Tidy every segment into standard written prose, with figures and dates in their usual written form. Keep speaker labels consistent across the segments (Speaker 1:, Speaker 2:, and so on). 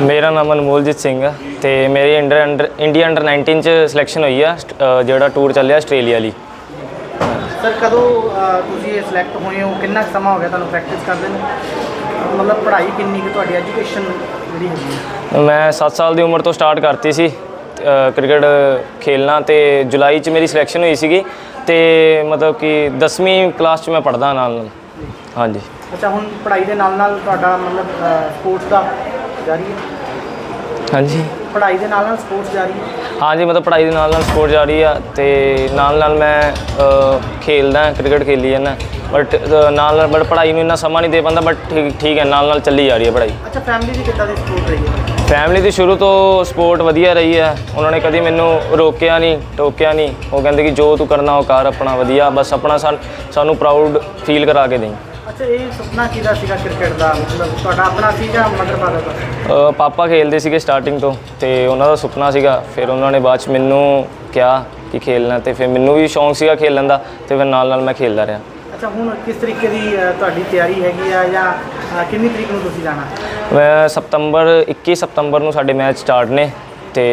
Speaker 1: ਮੇਰਾ ਨਾਮ ਅਨਮੋਲਜੀਤ ਸਿੰਘ ਹੈ ਤੇ ਮੇਰੀ ਇੰਡੀਆ ਅੰਡਰ 19 ਚ ਸਿਲੈਕਸ਼ਨ ਹੋਈ ਆ ਜਿਹੜਾ ਟੂਰ ਚੱਲਿਆ ਆਸਟ੍ਰੇਲੀਆ ਲਈ।
Speaker 2: ਸਰ ਕਦੋਂ ਤੁਸੀਂ ਸਿਲੈਕਟ ਹੋਏ ਹੋ, ਕਿੰਨਾ ਸਮਾਂ ਹੋ ਗਿਆ ਤੁਹਾਨੂੰ ਪ੍ਰੈਕਟਿਸ ਕਰਦੇ ਨੂੰ, ਮਤਲਬ ਪੜ੍ਹਾਈ ਕਿੰਨੀ ਕਿ ਤੁਹਾਡੀ ਐਜੂਕੇਸ਼ਨ ਜਿਹੜੀ ਹੈਗੀ ਹੈ?
Speaker 1: ਮੈਂ 7 ਸਾਲ ਦੀ ਉਮਰ ਤੋਂ ਸਟਾਰਟ ਕਰਤੀ ਸੀ ਕ੍ਰਿਕਟ ਖੇਲਣਾ ਤੇ ਜੁਲਾਈ ਚ ਮੇਰੀ ਸਿਲੈਕਸ਼ਨ ਹੋਈ ਸੀਗੀ ਤੇ ਮਤਲਬ ਕਿ 10ਵੀਂ ਕਲਾਸ ਚ ਮੈਂ ਪੜ੍ਹਦਾ ਨਾਲ। ਹਾਂਜੀ।
Speaker 2: ਅੱਛਾ, ਹੁਣ ਪੜ੍ਹਾਈ ਦੇ ਨਾਲ ਤੁਹਾਡਾ ਮਤਲਬ ਸਪੋਰਟਸ ਦਾ ਜਾਰੀ ਹੈ?
Speaker 1: ਹਾਂਜੀ,
Speaker 2: ਪੜ੍ਹਾਈ ਦੇ ਨਾਲ ਸਪੋਰਟਸ ਜਾਰੀ ਹੈ?
Speaker 1: ਹਾਂਜੀ, ਮਤਲਬ ਪੜ੍ਹਾਈ ਦੇ ਨਾਲ ਸਪੋਰਟ ਜਾਰੀ ਆ ਤੇ ਨਾਲ ਮੈਂ ਖੇਲਦਾ ਕ੍ਰਿਕਟ ਖੇਲੀ ਜਾਂਦਾ ਬਟ ਬਟ ਪੜ੍ਹਾਈ ਨੂੰ ਇੰਨਾ ਸਮਾਂ ਨਹੀਂ ਦੇ ਪਾਉਂਦਾ ਬਟ ਠੀਕ ਹੈ ਨਾਲ ਚੱਲੀ ਜਾ ਰਹੀ ਹੈ ਪੜ੍ਹਾਈ।
Speaker 2: ਅੱਛਾ, ਫੈਮਿਲੀ ਦੀ ਕਿੱਦਾਂ ਦੀ ਸਪੋਰਟ ਰਹੀ ਹੈ?
Speaker 1: ਫੈਮਿਲੀ ਦੀ ਸ਼ੁਰੂ ਤੋਂ ਸਪੋਰਟ ਵਧੀਆ ਰਹੀ ਹੈ, ਉਹਨਾਂ ਨੇ ਕਦੀ ਮੈਨੂੰ ਰੋਕਿਆ ਨਹੀਂ ਟੋਕਿਆ ਨਹੀਂ। ਉਹ ਕਹਿੰਦੇ ਕਿ ਜੋ ਤੂੰ ਕਰਨਾ ਉਹ ਕਰ ਆਪਣਾ ਵਧੀਆ, ਬਸ ਆਪਣਾ ਸਾਨੂੰ ਪ੍ਰਾਊਡ ਫੀਲ ਕਰਾ ਕੇ ਦੇਈਂ।
Speaker 2: ਅੱਛਾ, ਇਹ ਸੁਪਨਾ ਕਿਹਦਾ ਸੀਗਾ ਕ੍ਰਿਕਟ ਦਾ, ਮਤਲਬ ਤੁਹਾਡਾ ਆਪਣਾ ਸੀ ਜਾਂ ਮਦਰ ਫਾਦਰ ਦਾ?
Speaker 1: ਪਾਪਾ ਖੇਲਦੇ ਸੀਗੇ ਸਟਾਰਟਿੰਗ ਤੋਂ ਤੇ ਉਹਨਾਂ ਦਾ ਸੁਪਨਾ ਸੀਗਾ, ਫਿਰ ਉਹਨਾਂ ਨੇ ਬਾਅਦ 'ਚ ਮੈਨੂੰ ਕਿਹਾ ਕਿ ਖੇਲਣਾ ਤੇ ਫਿਰ ਮੈਨੂੰ ਵੀ ਸ਼ੌਂਕ ਸੀਗਾ ਖੇਲਣ ਦਾ ਤੇ ਫਿਰ ਨਾਲ ਮੈਂ ਖੇਲਦਾ ਰਿਹਾ।
Speaker 2: ਅੱਛਾ, ਹੁਣ ਕਿਸ ਤਰੀਕੇ ਦੀ ਤੁਹਾਡੀ ਤਿਆਰੀ ਹੈਗੀ ਆ ਜਾਂ ਕਿੰਨੀ ਤਰੀਕ ਨੂੰ ਤੁਸੀਂ ਜਾਣਾ?
Speaker 1: ਮੈਂ 21 ਸਤੰਬਰ ਨੂੰ ਸਾਡੇ ਮੈਚ ਸਟਾਰਟ ਨੇ ਤੇ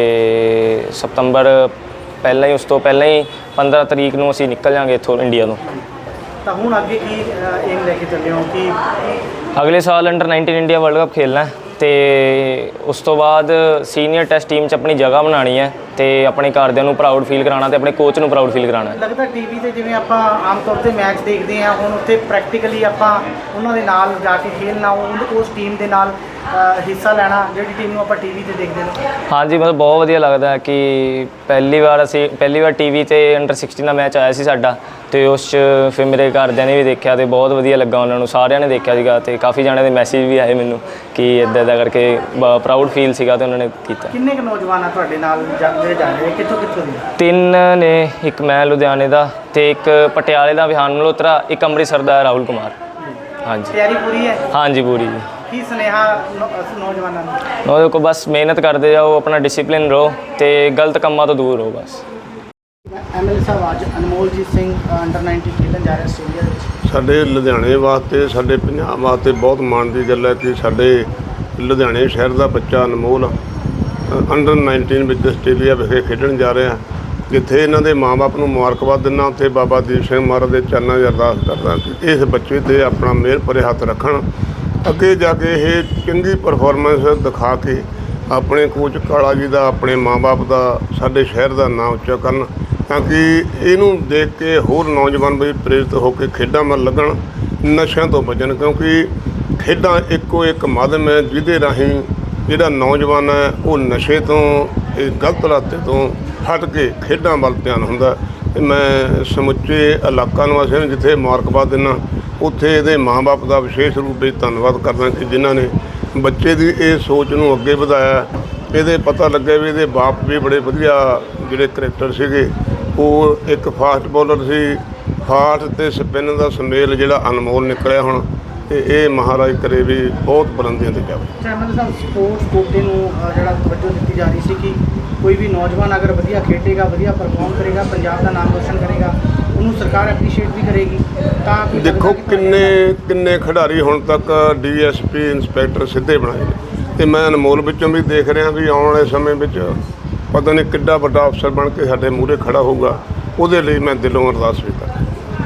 Speaker 1: ਸਤੰਬਰ ਪਹਿਲਾਂ ਹੀ ਉਸ ਤੋਂ ਪਹਿਲਾਂ ਹੀ 15 ਤਰੀਕ ਨੂੰ ਅਸੀਂ ਨਿਕਲ ਜਾਵਾਂਗੇ ਇੱਥੋਂ ਇੰਡੀਆ ਤੋਂ।
Speaker 2: ਤਾਂ ਹੁਣ ਅੱਗੇ ਕੀ ਏਮ ਲੈ ਕੇ ਚੱਲੇ ਹੋ ਕਿ
Speaker 1: ਅਗਲੇ ਸਾਲ ਅੰਡਰ 19 ਇੰਡੀਆ ਵਰਲਡ ਕੱਪ ਖੇਲਣਾ ਤੇ ਉਸ ਤੋਂ ਬਾਅਦ ਸੀਨੀਅਰ ਟੈਸਟ ਟੀਮ 'ਚ ਆਪਣੀ ਜਗ੍ਹਾ ਬਣਾਉਣੀ ਹੈ ਤੇ ਆਪਣੇ ਘਰਦਿਆਂ ਨੂੰ ਪ੍ਰਾਊਡ ਫੀਲ ਕਰਾਉਣਾ ਤੇ ਆਪਣੇ ਕੋਚ ਨੂੰ ਪ੍ਰਾਊਡ ਫੀਲ ਕਰਾਉਣਾ।
Speaker 2: ਲੱਗਦਾ ਟੀਵੀ ਤੇ ਜਿਵੇਂ ਆਪਾਂ ਆਮ ਤੌਰ ਤੇ ਮੈਚ ਦੇਖਦੇ ਹਾਂ, ਹੁਣ ਉੱਥੇ ਪ੍ਰੈਕਟੀਕਲੀ ਆਪਾਂ ਉਹਨਾਂ ਦੇ ਨਾਲ ਜਾ ਕੇ ਖੇਲਣਾ, ਉਸ ਟੀਮ ਦੇ ਨਾਲ ਹਿੱਸਾ ਲੈਣਾ ਜਿਹੜੀ ਟੀਮ ਨੂੰ ਆਪਾਂ ਟੀਵੀ ਤੇ ਦੇਖਦੇ ਹਾਂ।
Speaker 1: ਹਾਂਜੀ, ਮਤਲਬ ਬਹੁਤ ਵਧੀਆ ਲੱਗਦਾ ਕਿ ਪਹਿਲੀ ਵਾਰ ਟੀਵੀ ਤੇ ਅੰਡਰ 16 ਦਾ ਮੈਚ ਆਇਆ ਸੀ ਸਾਡਾ ਤੇ ਉਸ 'ਚ ਫਿਰ ਮੇਰੇ ਘਰਦਿਆਂ ਨੇ ਵੀ ਦੇਖਿਆ ਤੇ ਬਹੁਤ ਵਧੀਆ ਲੱਗਾ, ਉਹਨਾਂ ਨੂੰ ਸਾਰਿਆਂ ਨੇ ਦੇਖਿਆ ਸੀਗਾ ਤੇ ਕਾਫੀ ਜਣਿਆਂ ਦੇ ਮੈਸੇਜ ਵੀ ਆਏ ਮੈਨੂੰ ਕਿ ਇੱਦਾਂ ਕਰਕੇ ਪ੍ਰਾਊਡ ਫੀਲ ਸੀਗਾ ਤੇ ਉਹਨਾਂ ਨੇ ਕੀਤਾ।
Speaker 2: ਕਿੰਨੇ ਕੁ ਨੌਜਵਾਨ ਆ ਤੁਹਾਡੇ ਨਾਲ ਜਿਹੜੇ ਜਾ ਰਹੇ, ਕਿੱਥੋਂ ਦੇ?
Speaker 1: 3 ਨੇ, ਇੱਕ ਮੈਂ ਲੁਧਿਆਣੇ ਦਾ ਤੇ ਇੱਕ ਪਟਿਆਲੇ ਦਾ ਵਿਹਾਨ ਮਲਹੋਤਰਾ, ਇੱਕ ਅੰਮ੍ਰਿਤਸਰ ਦਾ ਰਾਹੁਲ ਕੁਮਾਰ। ਹਾਂਜੀ।
Speaker 2: ਤਿਆਰੀ ਪੂਰੀ ਹੈ? ਹਾਂਜੀ,
Speaker 1: ਪੂਰੀ ਜੀ।
Speaker 2: ਕੀ ਸੁਨੇਹਾ ਨੌਜਵਾਨਾਂ ਨੂੰ?
Speaker 1: ਉਹਦੇ ਕੋਲ ਬਸ ਮਿਹਨਤ ਕਰਦੇ ਜਾਓ, ਆਪਣਾ ਡਿਸਿਪਲਿਨ ਰਹੋ ਤੇ ਗਲਤ ਕੰਮਾਂ ਤੋਂ ਦੂਰ ਰਹੋ ਬਸ।
Speaker 2: ਐਮਐਲਏ ਸਾਹਿਬ, ਅੱਜ ਅਨਮੋਲਜੀਤ ਸਿੰਘ ਅੰਡਰ 19 ਖੇਡਣ ਜਾ ਰਿਹਾ ਆਸਟ੍ਰੇਲੀਆ ਦੇ ਵਿੱਚ।
Speaker 3: ਸਾਡੇ ਲੁਧਿਆਣੇ ਵਾਸਤੇ, ਸਾਡੇ ਪੰਜਾਬ ਵਾਸਤੇ ਬਹੁਤ ਮਾਣ ਦੀ ਗੱਲ ਹੈ ਕਿ ਸਾਡੇ ਲੁਧਿਆਣੇ ਸ਼ਹਿਰ ਦਾ ਬੱਚਾ ਅਨਮੋਲ ਅੰਡਰ 19 ਵਿੱਚ ਆਸਟ੍ਰੇਲੀਆ ਵਿਖੇ ਖੇਡਣ ਜਾ ਰਿਹਾ, ਜਿੱਥੇ ਇਹਨਾਂ ਦੇ ਮਾਂ-ਬਾਪ ਨੂੰ ਮੁਬਾਰਕਬਾਦ ਦਿੰਦਾ, ਉੱਥੇ ਬਾਬਾ ਦੀਪ ਸਿੰਘ ਮਹਾਰਾਜ ਦੇ ਚਰਨਾਂ 'ਚ ਅਰਦਾਸ ਕਰਦਾ ਕਿ ਇਸ ਬੱਚੇ 'ਤੇ ਆਪਣਾ ਮਿਹਰ ਭਰੇ ਹੱਥ ਰੱਖਣ, ਅੱਗੇ ਜਾ ਕੇ ਇਹ ਚੰਗੀ ਪਰਫਾਰਮੈਂਸ ਦਿਖਾ ਕੇ ਆਪਣੇ ਕੋਚ ਕਾਲਾ ਜੀ ਦਾ, ਆਪਣੇ ਮਾਂ-ਬਾਪ ਦਾ, ਸਾਡੇ ਸ਼ਹਿਰ ਦਾ ਨਾਮ ਉੱਚਾ ਕਰਨ, ਤਾਂ ਕਿ ਇਹਨੂੰ ਦੇਖ ਕੇ ਹੋਰ ਨੌਜਵਾਨ ਵੀ ਪ੍ਰੇਰਿਤ ਹੋ ਕੇ ਖੇਡਾਂ ਵੱਲ ਲੱਗਣ, ਨਸ਼ਿਆਂ ਤੋਂ ਬਚਣ, ਕਿਉਂਕਿ ਖੇਡਾਂ ਇੱਕੋ ਇੱਕ ਮਾਧਿਅਮ ਹੈ ਜਿਹਦੇ ਰਾਹੀਂ ਜਿਹੜਾ ਨੌਜਵਾਨ ਹੈ ਉਹ ਨਸ਼ੇ ਤੋਂ, ਇਹ ਗਲਤ ਰਾਸਤੇ ਤੋਂ ਹਟ ਕੇ ਖੇਡਾਂ ਵੱਲ ਧਿਆਨ ਹੁੰਦਾ। ਅਤੇ ਮੈਂ ਸਮੁੱਚੇ ਇਲਾਕਾ ਨਿਵਾਸੀਆਂ ਨੂੰ ਜਿੱਥੇ ਮੁਬਾਰਕਬਾਦ ਦਿੰਦਾ, ਉੱਥੇ ਇਹਦੇ ਮਾਂ-ਬਾਪ ਦਾ ਵਿਸ਼ੇਸ਼ ਰੂਪ ਵਿੱਚ ਧੰਨਵਾਦ ਕਰਦਾ ਕਿ ਜਿਨ੍ਹਾਂ ਨੇ ਬੱਚੇ ਦੀ ਇਹ ਸੋਚ ਨੂੰ ਅੱਗੇ ਵਧਾਇਆ। ਇਹਦੇ ਪਤਾ ਲੱਗਿਆ ਵੀ ਇਹਦੇ ਬਾਪ ਵੀ ਬੜੇ ਵਧੀਆ ਜਿਹੜੇ ਕ੍ਰਿਕਟਰ ਸੀਗੇ, ਉਹ ਇੱਕ ਫਾਸਟ ਬੋਲਰ ਸੀ, ਫਾਸਟ ਅਤੇ ਸਪਿਨ ਦਾ ਸੁਮੇਲ ਜਿਹੜਾ ਅਨਮੋਲ ਨਿਕਲਿਆ ਹੁਣ, ਅਤੇ ਇਹ ਮਹਾਰਾਜ ਕਰੇ ਵੀ ਬਹੁਤ ਬੁਲੰਦੀਆਂ 'ਤੇ ਜਾਵੇ।
Speaker 2: ਐਮਐਲਏ ਸਾਹਿਬ, ਸਪੋਰਟਸ ਕੋਟੇ ਨੂੰ ਜਿਹੜਾ ਤਵੱਜੋ ਦਿੱਤੀ ਜਾ ਰਹੀ ਸੀ ਕਿ ਕੋਈ ਵੀ ਨੌਜਵਾਨ ਅਗਰ ਵਧੀਆ ਖੇਡੇਗਾ, ਵਧੀਆ ਪਰਫਾਰਮ ਕਰੇਗਾ, ਪੰਜਾਬ ਦਾ ਨਾਮ ਰੋਸ਼ਨ ਕਰੇਗਾ, ਉਹਨੂੰ ਸਰਕਾਰ ਐਪਰੀਸ਼ੀਏਟ ਵੀ ਕਰੇਗੀ। ਤਾਂ
Speaker 3: ਦੇਖੋ ਕਿੰਨੇ ਖਿਡਾਰੀ ਹੁਣ ਤੱਕ DSP ਇੰਸਪੈਕਟਰ ਸਿੱਧੇ ਬਣਾਏ ਨੇ, ਅਤੇ ਮੈਂ ਅਨਮੋਲ ਵਿੱਚੋਂ ਵੀ ਦੇਖ ਰਿਹਾ ਵੀ ਆਉਣ ਵਾਲੇ ਸਮੇਂ ਵਿੱਚ ਪਤਾ ਨਹੀਂ ਕਿੱਡਾ ਵੱਡਾ ਅਫਸਰ ਬਣ ਕੇ ਸਾਡੇ ਮੂਹਰੇ ਖੜਾ ਹੋਊਗਾ, ਉਹਦੇ ਲਈ ਮੈਂ ਦਿਲੋਂ ਅਰਦਾਸ ਵੀ ਕਰਦਾ।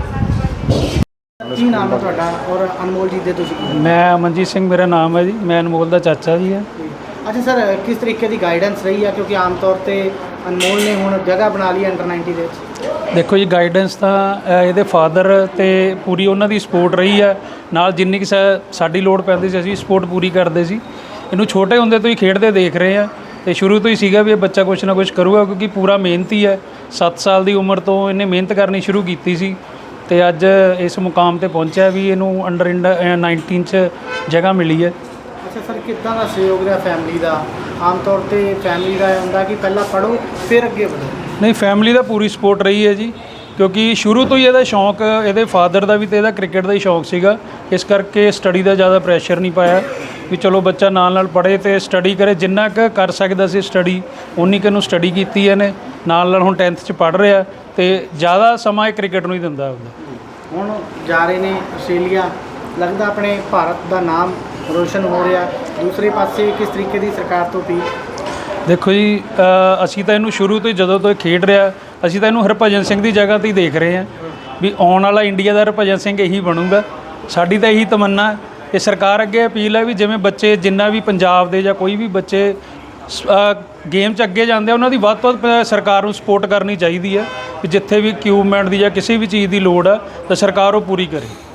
Speaker 2: ਕੀ ਨਾਮ ਹੈ ਤੁਹਾਡਾ ਔਰ ਅਨਮੋਲ ਜੀ ਦੇ ਤੁਸੀਂ?
Speaker 4: ਮੈਂ ਅਮਨਜੀਤ ਸਿੰਘ ਮੇਰਾ ਨਾਮ ਹੈ ਜੀ, ਮੈਂ ਅਨਮੋਲ ਦਾ ਚਾਚਾ ਜੀ ਹਾਂ।
Speaker 2: ਅੱਛਾ ਸਰ, ਕਿਸ ਤਰੀਕੇ ਦੀ ਗਾਈਡੈਂਸ ਰਹੀ ਹੈ, ਕਿਉਂਕਿ ਆਮ ਤੌਰ 'ਤੇ ਅਨਮੋਲ ਨੇ ਹੁਣ ਜਗ੍ਹਾ ਬਣਾ ਲਈ ਅੰਡਰ 19 ਦੇ ਵਿੱਚ?
Speaker 4: ਦੇਖੋ ਜੀ, ਗਾਈਡੈਂਸ ਤਾਂ ਇਹਦੇ ਫਾਦਰ ਤੇ ਪੂਰੀ ਉਹਨਾਂ ਦੀ ਸਪੋਰਟ ਰਹੀ ਹੈ, ਨਾਲ ਜਿੰਨੀ ਕਿ ਸਾਡੀ ਲੋੜ ਪੈਂਦੀ ਸੀ ਅਸੀਂ ਸਪੋਰਟ ਪੂਰੀ ਕਰਦੇ ਸੀ। ਇਹਨੂੰ ਛੋਟੇ ਹੁੰਦੇ ਤੋਂ ਹੀ ਖੇਡਦੇ ਦੇਖ ਰਹੇ ਹਾਂ ਤੇ ਸ਼ੁਰੂ ਤੋਂ ਹੀ ਸੀਗਾ ਵੀ ਇਹ ਬੱਚਾ ਕੁਛ ਨਾ ਕੁਛ ਕਰੂਗਾ, ਕਿਉਂਕਿ ਪੂਰਾ ਮਿਹਨਤੀ ਹੈ। 7 ਸਾਲ ਦੀ ਉਮਰ ਤੋਂ ਇਹਨੇ ਮਿਹਨਤ ਕਰਨੀ ਸ਼ੁਰੂ ਕੀਤੀ ਸੀ ਤੇ ਅੱਜ ਇਸ ਮੁਕਾਮ ਤੇ ਪਹੁੰਚਿਆ ਵੀ ਇਹਨੂੰ ਅੰਡਰ 19 'ਚ ਜਗ੍ਹਾ ਮਿਲੀ ਹੈ।
Speaker 2: ਅੱਛਾ ਸਰ, ਕਿੱਦਾਂ ਦਾ ਸਹਿਯੋਗ ਰਿਹਾ ਫੈਮਿਲੀ ਦਾ? ਆਮ ਤੌਰ 'ਤੇ ਫੈਮਿਲੀ ਦਾ ਇਹ ਹੁੰਦਾ ਕਿ ਪਹਿਲਾਂ ਪੜ੍ਹੋ ਫਿਰ ਅੱਗੇ ਵਧੋ।
Speaker 4: ਨਹੀਂ, ਫੈਮਿਲੀ ਦਾ ਪੂਰੀ ਸਪੋਰਟ ਰਹੀ ਹੈ ਜੀ, ਕਿਉਂਕਿ ਸ਼ੁਰੂ ਤੋਂ ਹੀ ਇਹਦਾ ਸ਼ੌਂਕ, ਇਹਦੇ ਫਾਦਰ ਦਾ ਵੀ ਤੇ ਇਹਦਾ ਕ੍ਰਿਕਟ ਦਾ ਹੀ ਸ਼ੌਂਕ ਸੀਗਾ, ਇਸ ਕਰਕੇ ਸਟੱਡੀ ਦਾ ਜ਼ਿਆਦਾ ਪ੍ਰੈਸ਼ਰ ਨਹੀਂ ਪਾਇਆ ਵੀ ਚਲੋ ਬੱਚਾ ਨਾਲ ਪੜ੍ਹੇ ਤੇ ਸਟੱਡੀ ਕਰੇ। ਜਿੰਨਾ ਕੁ ਕਰ ਸਕਦਾ ਸੀ ਸਟੱਡੀ ਉਨੀ ਕੁ ਨੂੰ ਸਟੱਡੀ ਕੀਤੀ ਇਹਨੇ, ਨਾਲ ਹੁਣ 10th 'ਚ ਪੜ੍ਹ ਰਿਹਾ ਤੇ ਜ਼ਿਆਦਾ ਸਮਾਂ ਇਹ ਕ੍ਰਿਕਟ ਨੂੰ ਹੀ ਦਿੰਦਾ ਹੁੰਦਾ।
Speaker 2: ਹੁਣ ਜਾ ਰਹੇ ਨੇ ਆਸਟ੍ਰੇਲੀਆ, ਲੱਗਦਾ ਆਪਣੇ ਭਾਰਤ ਦਾ ਨਾਮ ਰੋਸ਼ਨ ਹੋ ਰਿਹਾ, ਦੂਸਰੇ ਪਾਸੇ ਕਿਸ ਤਰੀਕੇ ਦੀ ਸਰਕਾਰ ਤੋਂ ਅਪੀਲ?
Speaker 4: ਦੇਖੋ ਜੀ, ਅਸੀਂ ਤਾਂ ਇਹਨੂੰ ਸ਼ੁਰੂ ਤੋਂ ਹੀ ਜਦੋਂ ਤੋਂ ਇਹ ਖੇਡ ਰਿਹਾ, ਅਸੀਂ ਤਾਂ ਇਹਨੂੰ ਹਰਭਜਨ ਸਿੰਘ ਦੀ ਜਗ੍ਹਾ ਤੇ ਹੀ ਦੇਖ ਰਹੇ ਹਾਂ ਵੀ ਆਉਣ ਵਾਲਾ ਇੰਡੀਆ ਦਾ ਹਰਭਜਨ ਸਿੰਘ ਇਹੀ ਬਣੂਗਾ। ਸਾਡੀ ਤਾਂ ਇਹੀ ਤਮੰਨਾ ਤੇ ਸਰਕਾਰ ਅੱਗੇ ਅਪੀਲ ਹੈ ਵੀ ਜਿਵੇਂ ਬੱਚੇ ਜਿੰਨਾ ਵੀ ਪੰਜਾਬ ਦੇ ਜਾਂ ਕੋਈ ਵੀ ਬੱਚੇ ਗੇਮ 'ਚ ਅੱਗੇ ਜਾਂਦੇ ਆ, ਉਹਨਾਂ ਦੀ ਵੱਧ ਤੋਂ ਵੱਧ ਸਰਕਾਰ ਨੂੰ ਸਪੋਰਟ ਕਰਨੀ ਚਾਹੀਦੀ ਹੈ ਵੀ ਜਿੱਥੇ ਵੀ ਇਕਵਿਪਮੈਂਟ ਦੀ ਜਾਂ ਕਿਸੇ ਵੀ ਚੀਜ਼ ਦੀ ਲੋੜ ਆ ਤਾਂ ਸਰਕਾਰ ਉਹ ਪੂਰੀ ਕਰੇ।